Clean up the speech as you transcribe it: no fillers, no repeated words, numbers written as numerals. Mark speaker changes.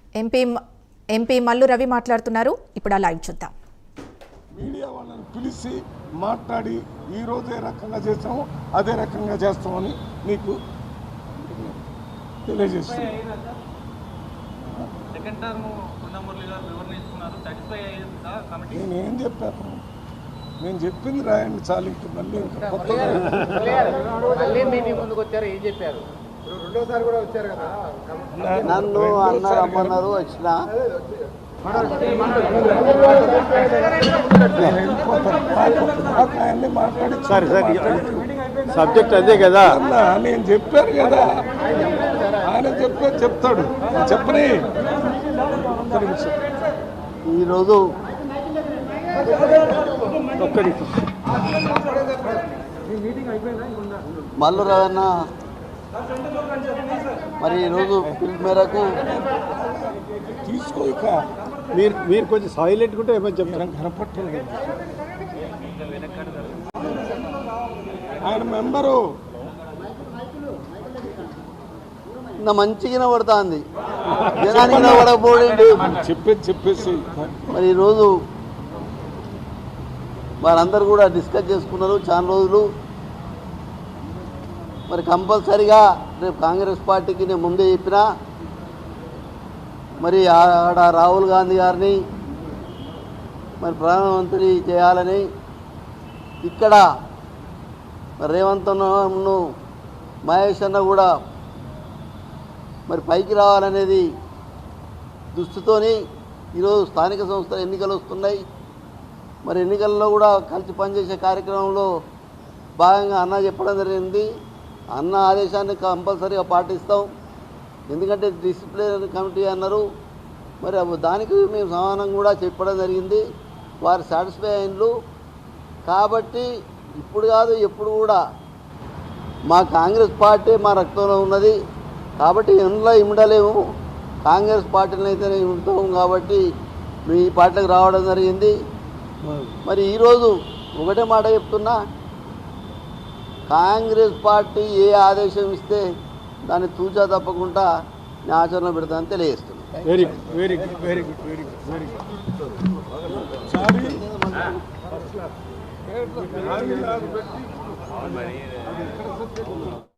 Speaker 1: MP Mallu Ravi మాట్లాడుతున్నారు. ఇప్పుడు ఆ లైవ్ చూద్దాం.
Speaker 2: మీడియా వాళ్ళని పిలిచి మాట్లాడి ఈ రోజు ఏ రకంగా చేస్తామో అదే రకంగా చేస్తామని మీకు తెలియజేస్తాను. నేనేం చెప్పాను, నేను చెప్పింది రాయండి చాలు. ఇంక మళ్ళీ
Speaker 3: నన్ను అన్నారు వచ్చిన సరే సబ్జెక్ట్ అదే కదా.
Speaker 2: నేను చెప్పాను కదా, ఆయన చెప్తాడు చెప్పని.
Speaker 3: ఈరోజు మల్లు రవణ మరి ఈరోజు పిలుపు మేరకు
Speaker 2: తీసుకోక
Speaker 3: మీరు కొంచెం సైలెంట్ ఉంటే ఏమని చెప్తారు.
Speaker 2: కనపట్టలేదు ఆయన మెంబరు
Speaker 3: నా మంచిగా పడుతుంది, జనానికి పడకపోయింది
Speaker 2: చెప్పేసి.
Speaker 3: మరి ఈరోజు వారందరూ కూడా డిస్కస్ చేసుకున్నారు చాలా రోజులు. మరి కంపల్సరిగా రేపు కాంగ్రెస్ పార్టీకి నేను ముందే చెప్పినా, మరి ఆడ రాహుల్ గాంధీ గారిని మరి ప్రధానమంత్రి చేయాలని, ఇక్కడ రేవంత్ అన్నను మహేష్ అన్న కూడా మరి పైకి రావాలనేది దృష్టితోని ఈరోజు స్థానిక సంస్థల ఎన్నికలు వస్తున్నాయి. మరి ఎన్నికల్లో కూడా కలిసి పనిచేసే కార్యక్రమంలో భాగంగా అన్న చెప్పడం జరిగింది. అన్న ఆదేశాన్ని కంపల్సరీగా పాటిస్తాం, ఎందుకంటే డిసిప్లినరీ కమిటీ అన్నారు. మరి దానికి మేము సమానం కూడా చెప్పడం జరిగింది. వారు సాటిస్ఫై అయినరు. కాబట్టి ఇప్పుడు కాదు ఎప్పుడు కూడా మా కాంగ్రెస్ పార్టీ మా రక్తంలో ఉన్నది. కాబట్టి ఇంట్లో ఇమ్మడలేము, కాంగ్రెస్ పార్టీని అయితేనే ఇమ్ముతాం. కాబట్టి మేము ఈ పార్టీకి రావడం జరిగింది. మరి ఈరోజు ఒకటే మాట చెప్తున్నా, కాంగ్రెస్ పార్టీ ఏ ఆదేశం ఇస్తే దాన్ని తూచా తప్పకుండా నేను ఆచరణ పెడతానని తెలియజేస్తున్నాను.
Speaker 2: Very good, very good, very good, very good, very good.